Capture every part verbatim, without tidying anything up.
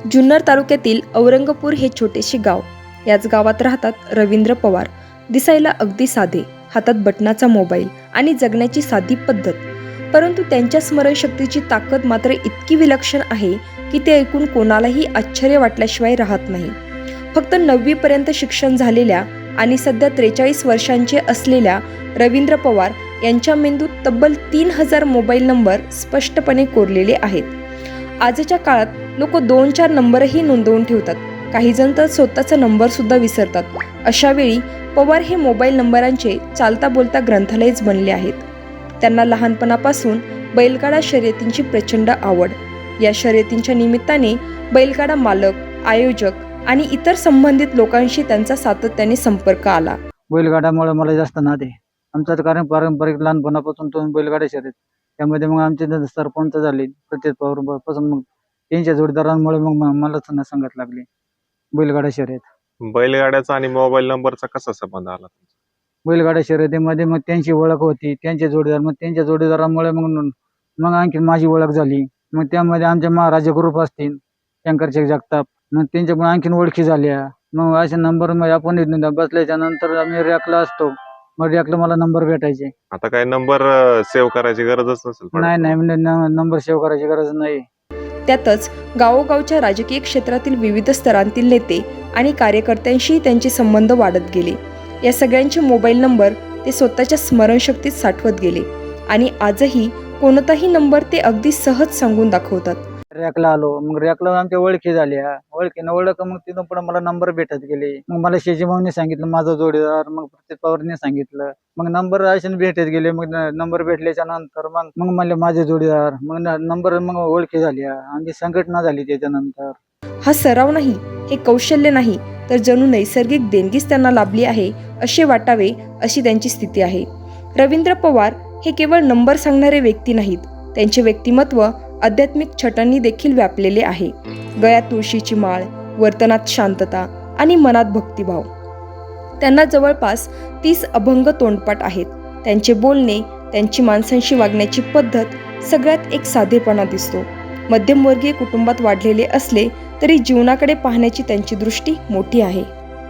जुन्नर तालुक्यातील औरंगपूर हे छोटेसे गाव. याच गावात राहतात रवींद्र पवार. दिसायला अगदी साधे, हातात बटनाचा मोबाईल आणि जगण्याची साधी पद्धत. परंतु त्यांच्या स्मरणशक्तीची ताकद मात्र इतकी विलक्षण आहे की ते ऐकून कोणालाही आश्चर्य वाटल्याशिवाय राहत नाही. फक्त नववी पर्यंत शिक्षण झालेल्या आणि सध्या त्रेचाळीस वर्षांचे असलेल्या रवींद्र पवार यांच्या मेंदूत तब्बल तीन हजार मोबाईल नंबर स्पष्टपणे कोरलेले आहेत. आजच्या काळात लोक दोन चार नंबरही नोंदवून ठेवतात. काही जण तर स्वतःचा नंबर सुद्धा विसरतात. अशा वेळी पवार हे मोबाईल नंबरांचे चालता बोलता ग्रंथालयच बनले आहेत. त्यांना लहानपणापासून बैलगाडा शर्यतींची प्रचंड आवड. या शर्यतींच्या निमित्ताने बैलगाडा मालक, आयोजक आणि इतर संबंधित लोकांशी त्यांचा सातत्याने संपर्क आला. बैलगाड्यामुळे मला जास्त नाद आहे. आमचं कारण पारंपरिक लहानपणापासून तो बैलगाड्या शर्यत, त्यामध्ये मग आमचे सरपंच झाले प्रत्येक पवार पासून, मग त्यांच्या जोडीदारांमुळे मग मला संगत लागली बैलगाडा शर्यत. बैलगाड्याचा आणि मोबाईल नंबरचा कसा संबंध आला? बैलगाडा शर्यतीमध्ये मग त्यांची ओळख होती, त्यांचे जोडीदार, मग त्यांच्या जोडीदारांमुळे मग मग आणखी माझी ओळख झाली. मग त्यामध्ये आमचे महाराजा ग्रुप असतील, शंकरचे जगताप, मग त्यांच्यामुळे आणखीन ओळखी झाल्या. मग असे नंबर मग आपण बसल्याच्या नंतर आम्ही रॅकला असतो, मग रॅकला मला नंबर भेटायचे. आता काय नंबर सेव्ह करायची गरजच नसेल? नाही नाही नंबर सेव्ह करायची गरज नाही. त्यातच गावोगावच्या राजकीय क्षेत्रातील विविध स्तरांतील नेते आणि कार्यकर्त्यांशी त्यांचे संबंध वाढत गेले. या सगळ्यांचे मोबाईल नंबर ते स्वतःच्या स्मरणशक्तीत साठवत गेले आणि आजही कोणताही नंबर ते अगदी सहज सांगून दाखवतात. रॅकला आलो, मग रॅकला आमच्या ओळखी झाल्या. ओळखीनं ओळख मग तिथून पुढे मला नंबर भेटत गेले. मग मला शेजी भाऊने सांगितलं माझा जोडीदार, मग प्रत्येक पवारने सांगितलं. मग नंबर असे भेटत गेले. मग नंबर भेटल्याच्या नंतर मग मग म्हणले माझे जोडीदार, मग नंबर मग ओळखी झाल्या. आमची संघटना झाली त्याच्यानंतर. हा सराव नाही, हे कौशल्य नाही, तर जणू नैसर्गिक देणगीच त्यांना लाभली आहे असे वाटावे अशी त्यांची स्थिती आहे. रवींद्र पवार हे केवळ नंबर सांगणारे व्यक्ती नाहीत. त्यांचे व्यक्तिमत्व आध्यात्मिक छटांनी देखील व्यापलेले आहे. गळ्यात तुळशीची माळ, वर्तनात शांतता आणि मनात भक्तिभाव. त्यांना जवळपास तीस अभंग तोंडपाठ आहेत. त्यांचे बोलणे, त्यांची माणसांशी वागण्याची पद्धत सगळ्यात एक साधेपणा दिसतो. मध्यमवर्गीय कुटुंबात वाढलेले असले तरी जीवनाकडे पाहण्याची त्यांची दृष्टी मोठी आहे.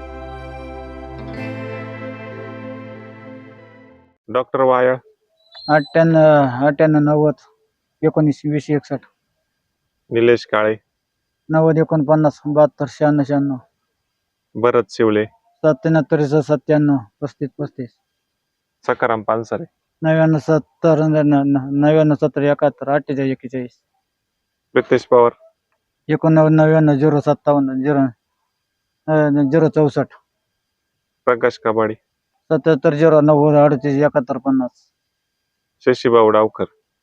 डॉक्टर वायळ अठ्ठ्याण्णव अठ्ठ्याण्णव नव्वद एकोणीस वीस एकसष्ट. निलेश काळे नव्वद एकोणपन्नास बहात्तर शहाण्णव शहाण्णव. भरत शिवले सत्त्याहत्तर सत्त्याण्णव पस्तीस पस्तीस. सकाराम पानसरे नव्याण्णव सत्तर नव्याण्णव सत्तर एकाहत्तर अठ्ठेचाळीस एक्केचाळीस. प्रितेश पवार एकोणनव्वद नव्याण्णव झिरो सत्तावन्न झिरो झिरो चौसष्ट. प्रकाश कबाडी सत्याहत्तर झिरो नव्वद अडतीस एकाहत्तर पन्नास. शशीभाऊ डावकर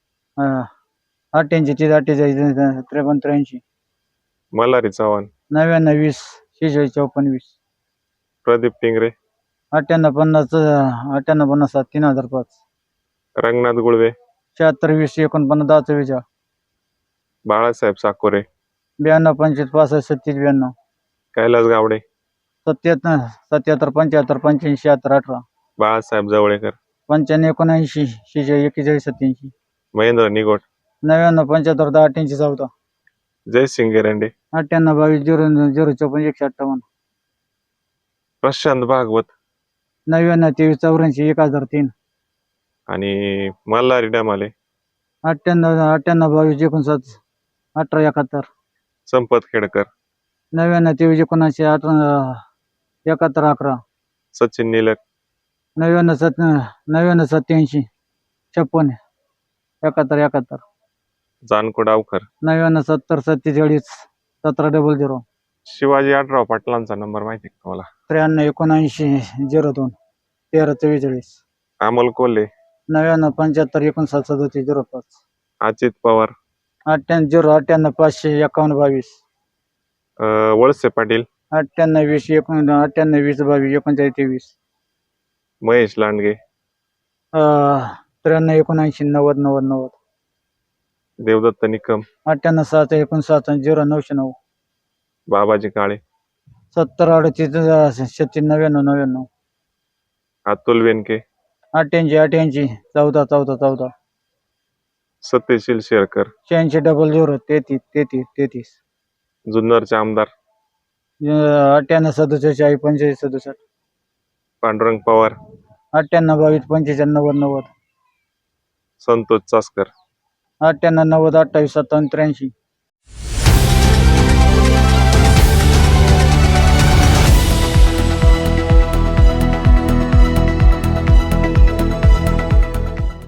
अठ्ठ्याऐंशी तीस अठ्ठेचाळीस त्रेपन्न त्र्याऐंशी. मल्हारी चव्हाण नव्याण्णव वीस शेहेचाळीस चौपन्न वीस. प्रदीप टिंगरे अठ्ठ्याण्णव पन्नास अठ्ठ्याण्णव पन्नास सात तीन हजार पाच. रंगनाथ गुळवे शहात्तर वीस एकोणपन्नास दहा चव्वेचाळीस. बाळासाहेब साकोरे ब्याण्णव पंचवीस पासष्ट छत्तीस ब्याण्णव. कैलास गावडे सत्याहत्तर सत्याहत्तर पंच्याहत्तर पंच्याऐंशी शहात्तर अठरा. बाळासाहेब जवळेकर पंच्याण्णव एकोणऐंशी शेहेचाळीस एक्केचाळीस सत्याऐंशी. महेंद्र निगोट नव्याण्णव पंच्याहत्तर दहा अठ्ठ्याऐंशी चौदा. जयसिंग गेरंडे अठ्ठ्याण्णव बावीस झिरो झिरो चौपन्न एकशे अठ्ठावन्न. प्रशांत भागवत नव्याण्णव तेवीस चौऱ्याऐंशी एक हजार तीन. आणि मल्हारी डमाले अठ्ठ्याण्णव अठ्ठ्याण्णव बावीस एकोणसाठ अठरा एकाहत्तर. संपत खेडकर नव्याण्णव तेवीस एकोणऐंशी अठरा एकाहत्तर अकरा. सचिन निलक नव्याण्णव सत नव्याण्णव सत्याऐंशी छप्पन एकाहत्तर एकाहत्तर. जानको डावकर नव्याण्णव सत्तर सत्तेचाळीस सतरा डबल झिरो. शिवाजी आढराव पाटलांचा नंबर माहिती का तुम्हाला? त्र्याण्णव एकोणऐंशी झिरो दोन तेरा चव्वेचाळीस. अमोल कोल्हे नव्याण्णव पंच्याहत्तर एकोणसाठ सदतीस झिरो पाच. अजित पवार अठ्ठ्याण्णव झिरो अठ्ठ्याण्णव पाचशे एकावन्न बावीस. वळसे पाटील अठ्ठ्याण्णव वीस एकोण अठ्ठ्याण्णव वीस बावीस एकोणचाळीस तेवीस. महेश लांडगे त्र्याण्णव एकोणऐंशी नव्वद नव्वद नव्वद. देवदत्त निकम अठ्ठ्याण्णव सात एकोणसाठ झिरो नऊशे नऊ. बाबाजी काळे सत्तर अडतीस छत्तीस नव्याण्णव नव्याण्णव. अतुल वेनके अठ्ठ्याऐंशी अठ्ठ्याऐंशी चौदा चौदा चौदा. सत्यशील शेरकर शहाऐंशी डबल झिरो तेहतीस तेहतीस तेहतीस. जुन्नरचे आमदार अठ्ठ्याण्णव सदुसष्ट चाळीस पंचेचाळीस सदुसष्ट पांडुरंग पवार, अठ्ठ्याण्णव बावीस पंचेचाळीस नव्वद नव्वद संतोष चासकर, अठ्ठ्याण्णव नव्वद अठ्ठावीस सत्तावन्न त्र्याऐंशी